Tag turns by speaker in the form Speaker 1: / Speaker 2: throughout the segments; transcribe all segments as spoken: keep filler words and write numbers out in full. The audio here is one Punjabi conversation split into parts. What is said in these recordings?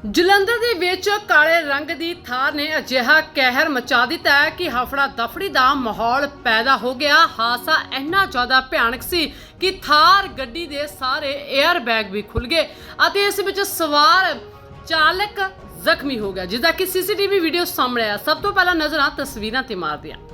Speaker 1: ਜਲੰਧਰ ਦੇ ਵਿੱਚ ਕਾਲੇ ਰੰਗ ਦੀ ਥਾਰ ਨੇ ਅਜਿਹਾ ਕਹਿਰ ਮਚਾ ਦਿੱਤਾ ਹੈ ਕਿ ਹਫੜਾ ਦਫੜੀ ਦਾ ਮਾਹੌਲ ਪੈਦਾ ਹੋ ਗਿਆ। ਹਾਦਸਾ ਇੰਨਾ ਜ਼ਿਆਦਾ ਭਿਆਨਕ ਸੀ ਕਿ ਥਾਰ ਗੱਡੀ ਦੇ ਸਾਰੇ 에ਅਰ ਬੈਗ ਵੀ ਖੁੱਲ ਗਏ ਅਤੇ ਇਸ ਵਿੱਚ ਸਵਾਰ ਚਾਲਕ ਜ਼ਖਮੀ ਹੋ ਗਿਆ, ਜਿਸਦਾ ਕਿ ਸੀਸੀਟੀਵੀ ਵੀਡੀਓ ਸਾਹਮਣੇ ਆਇਆ। ਸਭ ਤੋਂ ਪਹਿਲਾਂ ਨਜ਼ਰਾਂ ਤਸਵੀਰਾਂ ਤੇ ਮਾਰਦੇ ਹਾਂ।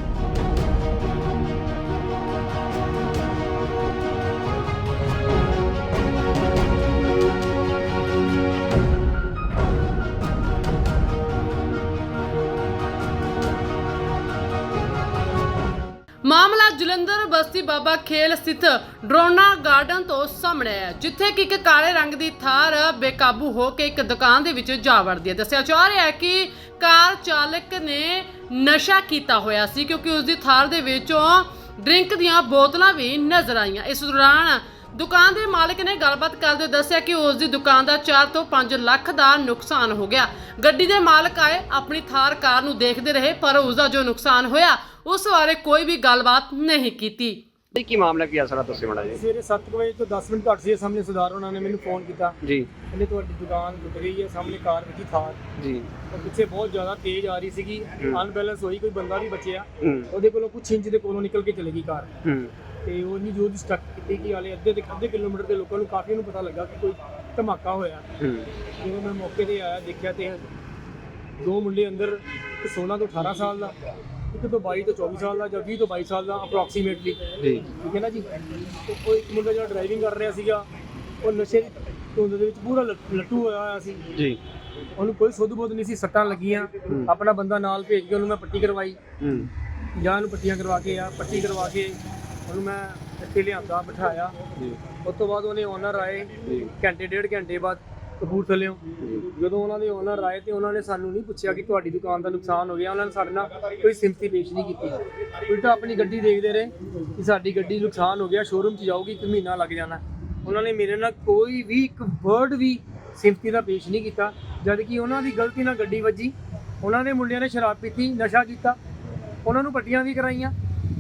Speaker 1: ਮਾਮਲਾ ਜਲੰਧਰ ਬਸਤੀ ਬਾਬਾ ਖੇਲ ਸਥਿਤ ਡਰੋਨਾ ਗਾਰਡਨ ਤੋਂ ਸਾਹਮਣੇ ਆਇਆ, ਜਿੱਥੇ ਕਿ ਇੱਕ ਕਾਲੇ ਰੰਗ ਦੀ ਥਾਰ ਬੇਕਾਬੂ ਹੋ ਕੇ ਇੱਕ ਦੁਕਾਨ ਦੇ ਵਿੱਚ ਜਾ ਵੜਦੀ ਹੈ। ਦੱਸਿਆ ਜਾ ਰਿਹਾ ਹੈ ਕਿ ਕਾਰ ਚਾਲਕ ਨੇ ਨਸ਼ਾ ਕੀਤਾ ਹੋਇਆ ਸੀ, ਕਿਉਂਕਿ ਉਸ ਦੀ ਥਾਰ ਦੇ ਵਿੱਚੋਂ ਡਰਿੰਕ ਦੀਆਂ ਬੋਤਲਾਂ ਵੀ ਨਜ਼ਰ ਆਈਆਂ। ਇਸ ਦੌਰਾਨ ਦੁਕਾਨ ਦੇ ਮਾਲਕ ਨੇ ਗੱਲਬਾਤ ਕਰਦੇ ਹੋਏ ਦੱਸਿਆ ਕਿ ਉਸ ਦੀ ਦੁਕਾਨ ਦਾ ਚਾਰ ਤੋਂ ਪੰਜ ਲੱਖ ਦਾ ਨੁਕਸਾਨ ਹੋ ਗਿਆ। ਗੱਡੀ ਦੇ ਮਾਲਕ ਆਏ, ਆਪਣੀ ਥਾਰ ਕਾਰ ਨੂੰ ਦੇਖਦੇ ਰਹੇ, ਪਰ ਉਸ ਦਾ ਜੋ ਨੁਕਸਾਨ ਹੋਇਆ ਉਸ ਬਾਰੇ ਕੋਈ ਵੀ ਗੱਲਬਾਤ ਨਹੀਂ ਕੀਤੀ।
Speaker 2: ਕੀ ਮਾਮਲਾ ਕੀ ਆ ਸਾਰਾ ਦੱਸਿਓ ਮਾੜਾ ਜੀ।
Speaker 3: ਸਵੇਰੇ ਸੱਤ ਵਜੇ ਤੋਂ ਦਸ ਮਿੰਟ ਘੱਟ ਸੀ ਸਾਹਮਣੇ ਸਰਦਾਰ ਉਹਨਾਂ ਨੇ ਮੈਨੂੰ ਫੋਨ ਕੀਤਾ
Speaker 2: ਜੀ,
Speaker 3: ਕਹਿੰਦੇ ਤੁਹਾਡੀ ਦੁਕਾਨ ਟੁੱਟ ਗਈ ਹੈ, ਸਾਹਮਣੇ ਕਾਰ ਵਿੱਚ ਹੀ ਥਾਰ
Speaker 2: ਜੀ,
Speaker 3: ਉਹ ਪਿੱਛੇ ਬਹੁਤ ਜ਼ਿਆਦਾ ਤੇਜ਼ ਆ ਰਹੀ ਸੀਗੀ, ਅਨਬੈਲੈਂਸ ਹੋਈ, ਕੋਈ ਬੰਦਾ ਵੀ ਬਚਿਆ,
Speaker 2: ਹੂੰ,
Speaker 3: ਉਹਦੇ ਕੋਲੋਂ ਕੁਛ ਇੰਚ ਦੇ ਕੋਲੋਂ ਨਿਕਲ ਕੇ ਚਲੇ ਗਈ ਕਾਰ
Speaker 2: ਹੂੰ,
Speaker 3: ਤੇ ਉਹ ਨਹੀਂ ਜੋ ਦੀ ਸਟਕ ਕੀਤੀ ਕਿ ਹਾਲੇ ਅੱਧੇ ਦੇ ਅੱਧੇ ਕਿਲੋਮੀਟਰ ਦੇ ਲੋਕਾਂ ਨੂੰ ਕਾਫੀ ਨੂੰ ਪਤਾ ਲੱਗਾ ਕਿ ਕੋਈ ਧਮਾਕਾ ਹੋਇਆ।
Speaker 2: ਹੂੰ,
Speaker 3: ਜਦੋਂ ਮੈਂ ਮੌਕੇ ਤੇ ਆਇਆ ਦੇਖਿਆ ਤੇ ਦੋ ਮੁੰਡੇ ਅੰਦਰ, ਇੱਕ ਸੋਲਾਂ ਤੋਂ ਅਠਾਰਾਂ ਸਾਲ ਦਾ, ਇੱਕ ਤੋਂ ਬਾਈ ਤੋਂ ਚੌਵੀ ਸਾਲ ਦਾ, ਜਾਂ ਵੀਹ ਤੋਂ ਬਾਈ ਸਾਲ ਦਾ ਅਪਰੋਕਸੀਮੇਟਲੀ,
Speaker 2: ਜੀ,
Speaker 3: ਠੀਕ ਹੈ ਨਾ ਜੀ। ਤੇ ਉਹ ਇੱਕ ਮੁੰਡਾ ਜਿਹੜਾ ਡਰਾਈਵਿੰਗ ਕਰ ਰਿਹਾ ਸੀਗਾ ਉਹ ਨਸ਼ੇ ਦੀ ਧੁੰਦ ਦੇ ਵਿੱਚ ਪੂਰਾ ਲ- ਲੱਟੂ ਹੋਇਆ ਹੋਇਆ ਸੀ
Speaker 2: ਜੀ,
Speaker 3: ਉਹਨੂੰ ਕੋਈ ਸੁੱਧ ਬੁੱਧ ਨਹੀਂ ਸੀ, ਸੱਟਾਂ ਲੱਗੀਆਂ। ਆਪਣਾ ਬੰਦਾ ਨਾਲ ਭੇਜ ਕੇ ਉਹਨੂੰ ਮੈਂ ਪੱਟੀ ਕਰਵਾਈ,
Speaker 2: ਹੂੰ,
Speaker 3: ਜਾਂ ਉਹਨੂੰ ਪੱਟੀਆਂ ਕਰਵਾ ਕੇ ਆ ਪੱਟੀ ਕਰਵਾ ਕੇ ਉਹਨੂੰ ਮੈਂ ਇੱਥੇ ਲਿਆਂਦਾ, ਬਿਠਾਇਆ।
Speaker 2: ਜੀ,
Speaker 3: ਉਸ ਤੋਂ ਬਾਅਦ ਉਹਨੇ ਓਨਰ ਆਏ
Speaker 2: ਜੀ,
Speaker 3: ਘੰਟੇ ਡੇਢ ਘੰਟੇ ਬਾਅਦ ਕਪੂਰਥਲਿਓਂ। ਜਦੋਂ ਉਹਨਾਂ ਦੇ ਓਨਰ ਆਏ ਤੇ ਉਹਨਾਂ ਨੇ ਸਾਨੂੰ ਨਹੀਂ ਪੁੱਛਿਆ ਕਿ ਤੁਹਾਡੀ ਦੁਕਾਨ ਦਾ ਨੁਕਸਾਨ ਹੋ ਗਿਆ, ਉਹਨਾਂ ਨੇ ਸਾਡੇ ਨਾਲ ਕੋਈ ਸਿੰਪਥੀ ਪੇਸ਼ ਨਹੀਂ ਕੀਤੀ, ਉਲਟਾ ਆਪਣੀ ਗੱਡੀ ਦੇਖਦੇ ਰਹੇ ਕਿ ਸਾਡੀ ਗੱਡੀ ਨੁਕਸਾਨ ਹੋ ਗਿਆ, ਸ਼ੋਰੂਮ 'ਚ ਜਾਊਗੀ, ਇੱਕ ਮਹੀਨਾ ਲੱਗ ਜਾਣਾ। ਉਹਨਾਂ ਨੇ ਮੇਰੇ ਨਾਲ ਕੋਈ ਵੀ ਇੱਕ ਵਰਡ ਵੀ ਸਿੰਪਥੀ ਦਾ ਪੇਸ਼ ਨਹੀਂ ਕੀਤਾ, ਜਦ ਕਿ ਉਹਨਾਂ ਦੀ ਗਲਤੀ ਨਾਲ ਗੱਡੀ ਵੱਜੀ। ਉਹਨਾਂ ਦੇ ਮੁੰਡਿਆਂ ਨੇ ਸ਼ਰਾਬ ਪੀਤੀ, ਨਸ਼ਾ ਕੀਤਾ, ਉਹਨਾਂ ਨੂੰ ਪੱਟੀਆਂ ਵੀ ਕਰਾਈਆਂ।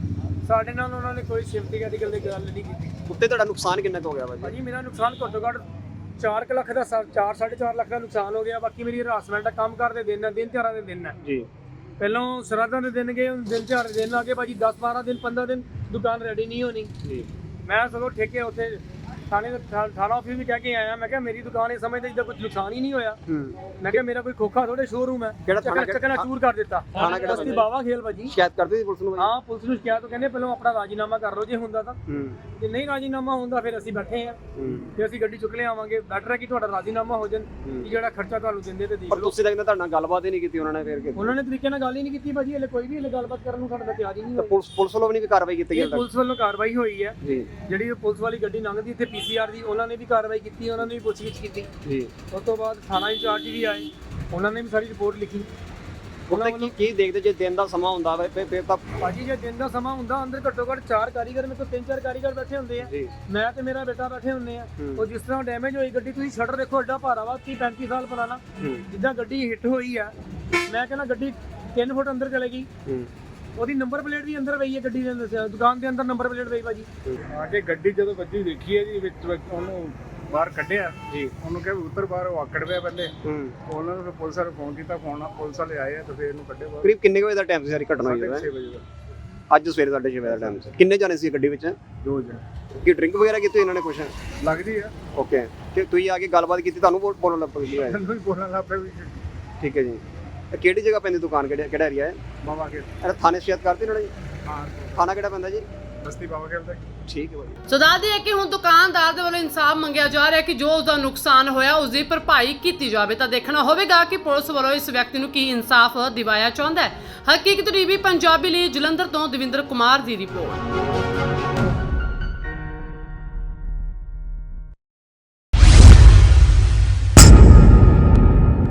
Speaker 3: ਸਾਡੇ ਨਾਲ ਉਹਨਾਂ ਨੇ ਕੋਈ ਸਿੰਪਥੀ ਦੀ ਗੱਲ ਗੱਲ ਨਹੀਂ ਕੀਤੀ।
Speaker 2: ਉੱਤੇ ਤੁਹਾਡਾ ਨੁਕਸਾਨ ਕਿੰਨਾ ਕੁ ਹੋ ਗਿਆ ਭਾਜੀ?
Speaker 3: ਭਾਜੀ ਮੇਰਾ ਨੁਕਸਾਨ ਘੱਟੋ ਘੱਟ ਚਾਰ ਕੁ ਲੱਖ ਦਾ, ਚਾਰ ਸਾਢੇ ਚਾਰ ਲੱਖ ਦਾ ਨੁਕਸਾਨ ਹੋ ਗਿਆ। ਬਾਕੀ ਮੇਰੀ ਹਰਾਸਮੈਂਟ ਦਾ ਕੰਮ ਕਰਦੇ ਦਿਨ ਹੈ, ਦਿਨ ਤਿਉਹਾਰਾਂ ਦੇ ਦਿਨ ਹੈ
Speaker 2: ਜੀ।
Speaker 3: ਪਹਿਲਾਂ ਸ਼ਰਾਧਾਂ ਦੇ ਦਿਨ ਗਏ, ਹੁਣ ਦਿਨ ਤਿਉਹਾਰ ਦੇ ਦਿਨ ਆ ਗਏ ਭਾਜੀ। ਦਸ ਬਾਰਾਂ ਦਿਨ ਪੰਦਰਾਂ ਦਿਨ ਦੁਕਾਨ ਰੈਡੀ ਨਹੀਂ ਹੋਣੀ।
Speaker 2: ਜੀ,
Speaker 3: ਮੈਂ ਸਗੋਂ ਠੇਕੇ ਉੱਥੇ ਥਾਣੇ ਦੇ ਥਾਣਾ ਆਫਿਸ ਵੀ ਕਹਿ ਕੇ ਆਇਆ, ਮੈਂ ਕਿਹਾ ਮੇਰੀ ਦੁਕਾਨ ਇਹ ਸਮਝਦੇ ਜਿੱਦਾਂ ਕੁਝ ਨੁਕਸਾਨ ਹੀ ਨਹੀਂ ਹੋਇਆ।
Speaker 2: ਹੂੰ,
Speaker 3: ਮੈਂ ਕਿਹਾ ਮੇਰਾ ਕੋਈ ਖੋਖਾ ਥੋੜੇ ਸ਼ੋਰੂਮ ਹੈ,
Speaker 2: ਕਿਹੜਾ ਥਾਣਾ?
Speaker 3: ਚੱਕਣਾ ਚੂਰ ਕਰ ਦਿੱਤਾ।
Speaker 2: ਥਾਣਾ ਕਿਹੜਾ?
Speaker 3: ਬਸਤੀ ਬਾਵਾ ਖੇਲ ਭਾਜੀ।
Speaker 2: ਸ਼ਿਕਾਇਤ ਕਰਦੇ ਸੀ ਪੁਲਿਸ ਨੂੰ ਭਾਜੀ?
Speaker 3: ਹਾਂ, ਪੁਲਿਸ ਨੂੰ ਸ਼ਿਕਾਇਤ ਤੋਂ ਕਹਿੰਦੇ ਪਹਿਲਾਂ ਆਪਣਾ ਰਾਜੀਨਾਮਾ ਕਰ ਲਓ ਜੇ ਹੁੰਦਾ ਤਾਂ,
Speaker 2: ਹੂੰ,
Speaker 3: ਜੇ ਨਹੀਂ ਰਾਜੀਨਾਮਾ ਹੁੰਦਾ ਫਿਰ ਅਸੀਂ ਬੈਠੇ ਹਾਂ,
Speaker 2: ਹੂੰ,
Speaker 3: ਤੇ ਅਸੀਂ ਗੱਡੀ ਚੁੱਕ ਲਿਆਵਾਂਗੇ। ਬੈਟਰ ਹੈ ਕਿ ਤੁਹਾਡਾ ਰਾਜੀਨਾਮਾ ਹੋ ਜਾਣ, ਕਿ ਜਿਹੜਾ ਖਰਚਾ ਤੁਹਾਨੂੰ ਦਿੰਦੇ ਤੇ ਦੇਖ
Speaker 2: ਪਰ
Speaker 3: ਲਓ।
Speaker 2: ਤੁਸੀਂ ਤਾਂ ਕਹਿੰਦੇ ਤੁਹਾਡੇ ਨਾਲ ਗੱਲਬਾਤ ਹੀ ਨਹੀਂ ਕੀਤੀ ਉਹਨਾਂ ਨੇ ਫਿਰ ਕਿ
Speaker 3: ਉਹਨਾਂ ਨੇ ਤਰੀਕੇ ਨਾਲ ਗੱਲ ਹੀ ਨਹੀਂ ਕੀਤੀ ਭਾਜੀ, ਹਲੇ ਕੋਈ ਵੀ ਹਲੇ ਗੱਲਬਾਤ ਕਰਨ ਨੂੰ ਸਾਡਾ ਤਿਆਰ ਹੀ ਨਹੀਂ
Speaker 2: ਤਾਂ
Speaker 3: ਹੋਇਆ।
Speaker 2: ਪੁਲਿਸ ਪੁਲਿਸ ਵੱਲੋਂ ਵੀ ਨਹੀਂ ਕੋਈ ਕਾਰਵਾਈ ਕੀਤੀ
Speaker 3: ਇਹ
Speaker 2: ਗਈ?
Speaker 3: ਪੁਲਿਸ ਵੱਲੋਂ ਕਾਰਵਾਈ ਹੋਈ ਹੈ,
Speaker 2: ਜੀ,
Speaker 3: ਜਿਹੜੀ ਪੁਲਿਸ ਵਾਲੀ ਗੱਡੀ ਲੰਘਦੀ ਇੱਥੇ ਪੀਸੀਆਰ ਦੀ, ਉਹਨਾਂ ਨੇ ਵੀ ਕਾਰਵਾਈ ਕੀਤੀ, ਉਹਨਾਂ ਨੇ ਵੀ ਪੁੱਛਗਿੱਛ ਕੀਤੀ।
Speaker 2: ਜੀ,
Speaker 3: ਉਸ ਤੋਂ ਬਾਅਦ ਥਾਣਾ ਇੰਚਾਰਜ ਵੀ ਆਏ, ਉਹਨਾਂ ਨੇ ਵੀ ਸਾਰੀ ਰਿਪੋਰਟ ਲਿਖੀ।
Speaker 2: ਉੱਤੇ ਕੀ ਕੀ ਦੇਖਦੇ ਜੇ ਦਿਨ ਦਾ ਸਮਾਂ ਹੁੰਦਾ ਵਾ ਫਿਰ ਫਿਰ ਤਾਂ
Speaker 3: ਭਾਜੀ ਜੇ ਦਿਨ ਦਾ ਸਮਾਂ ਹੁੰਦਾ, ਅੰਦਰ ਘੱਟੋ ਘੱਟ ਚਾਰ ਕਾਰੀਗਰ, ਮੇਰੇ ਕੋਲ ਤਿੰਨ ਚਾਰ ਕਾਰੀਗਰ ਬੈਠੇ ਹੁੰਦੇ ਆ,
Speaker 2: ਜੀ,
Speaker 3: ਮੈਂ ਤੇ ਮੇਰਾ ਬੇਟਾ ਬੈਠੇ ਹੁੰਦੇ ਆ।
Speaker 2: ਹੂੰ।
Speaker 3: ਉਹ ਜਿਸ ਤਰ੍ਹਾਂ ਡੈਮੇਜ ਹੋਈ ਗੱਡੀ, ਤੁਸੀਂ ਸ਼ਟਰ ਦੇਖੋ, ਐਡਾ ਭਾਰਾ ਵਾ, ਤੀਹ ਪੈਂਤੀ ਸਾਲ ਪੁਰਾਣਾ।
Speaker 2: ਹੂੰ,
Speaker 3: ਜਿੱਦਾਂ ਗੱਡੀ ਹਿੱਟ ਹੋਈ ਆ, ਮੈਂ ਕਹਿੰਦਾ ਗੱਡੀ ਤਿੰਨ ਫੁੱਟ ਅੰਦਰ ਚਲੇ ਗਈ।
Speaker 2: ਹੂੰ,
Speaker 3: ਉਹਦੀ ਨੰਬਰ ਪਲੇਟ ਵੀ ਅੰਦਰ ਪਈ ਹੈ ਗੱਡੀ ਦੇ ਅੰਦਰ, ਦੁਕਾਨ ਦੇ ਅੰਦਰ ਨੰਬਰ ਪਲੇਟ ਪਈ ਭਾਜੀ।
Speaker 4: ਆ ਕੇ ਗੱਡੀ ਜਦੋਂ ਵੱਜੀ ਦੇਖੀ ਹੈ ਜੀ, ਵਿੱਚ ਵਿੱਚ ਉਹਨੂੰ ਬਾਹਰ ਕੱਢਿਆ ਜੀ, ਉਹਨੂੰ ਕਿਹਾ ਵੀ ਉੱਤਰ ਬਾਹਰ, ਉਹ ਆਕੜ ਪਿਆ ਪਹਿਲੇ।
Speaker 2: ਹੂੰ।
Speaker 4: ਉਹਨਾਂ ਨੂੰ ਫਿਰ ਪੁਲਿਸ ਵਾਲੇ ਫੋਨ ਕੀਤਾ, ਫੋਨ ਨਾਲ ਪੁਲਿਸ ਵਾਲੇ ਆਏ ਆ ਤੇ ਫਿਰ ਇਹਨੂੰ ਕੱਢਿਆ ਬਾਹਰ।
Speaker 2: ਕਰੀਬ ਕਿੰਨੇ ਕੁ ਵਜੇ ਦਾ ਟਾਈਮ ਸੀ ਸਾਰੀ ਘਟਨਾ ਹੋਈ ਹੈ?
Speaker 4: ਛੇ ਵਜੇ ਦਾ।
Speaker 2: ਅੱਜ ਸਵੇਰੇ ਸਾਢੇ ਛੇ ਵਜੇ ਦਾ ਟਾਈਮ ਸੀ। ਕਿੰਨੇ ਜਾਣੇ ਸੀ ਗੱਡੀ ਵਿੱਚ?
Speaker 4: ਦੋ ਜਣੇ
Speaker 2: ਕੀ ਡਰਿੰਕ ਵਗੈਰਾ ਕੀਤੀ ਇਹਨਾਂ ਨੇ ਕੁਛ?
Speaker 4: ਲੱਗਦੀ ਆ,
Speaker 2: ਓਕੇ, ਤੇ ਤੁਸੀਂ ਆ ਕੇ ਗੱਲਬਾਤ ਕੀਤੀ, ਤੁਹਾਨੂੰ ਬੋਲ- ਬੋਲਣ ਲੱਗ ਪਈ ਹੈ?
Speaker 4: ਮੈਨੂੰ ਵੀ ਬੋਲਣ ਲੱਗ ਪਿਆ ਵੀ
Speaker 2: ਠੀਕ ਹੈ ਜੀ। ਇਹ ਕਿਹੜੀ ਜਗ੍ਹਾ ਪੈਂਦੀ ਦੁਕਾਨ, ਕਿਹੜਾ ਕਿਹੜਾ ਏਰੀਆ ਹੈ?
Speaker 4: ਬਾਬਾ ਖੇਲ।
Speaker 2: ਇਹ ਥਾਣੇ ਸ਼ਿਕਾਇਤ ਕਰਤੀ ਇਹਨਾਂ ਨੇ ਜੀ?
Speaker 4: ਹਾਂ,
Speaker 2: ਥਾਣਾ ਕਿਹੜਾ ਪੈਂਦਾ ਜੀ?
Speaker 4: ਬਸਤੀ ਬਾਬਾ ਖੇਲ ਦਾ।
Speaker 2: ਠੀਕ ਹੈ ਭਾਈ।
Speaker 1: ਸੋ ਦੱਸਦੇ ਹੈ ਕਿ ਹੁਣ ਦੁਕਾਨਦਾਰ ਦੇ ਵੱਲੋਂ ਇਨਸਾਫ ਮੰਗਿਆ ਜਾ ਰਿਹਾ ਕਿ ਜੋ ਉਸ ਦਾ ਨੁਕਸਾਨ ਹੋਇਆ ਉਸ ਦੀ ਭਰਪਾਈ ਕੀਤੀ ਜਾਵੇ। ਤਾਂ ਦੇਖਣਾ ਹੋਵੇਗਾ ਕਿ ਪੁਲਿਸ ਵੱਲੋਂ ਇਸ ਵਿਅਕਤੀ ਨੂੰ ਕੀ ਇਨਸਾਫ ਦਿਵਾਇਆ ਚਾਹੁੰਦਾ ਹੈ। ਹਕੀਕਤ ਟੀਵੀ ਪੰਜਾਬੀ ਲਈ ਜਲੰਧਰ ਤੋਂ ਦਵਿੰਦਰ ਕੁਮਾਰ ਦੀ ਰਿਪੋਰਟ।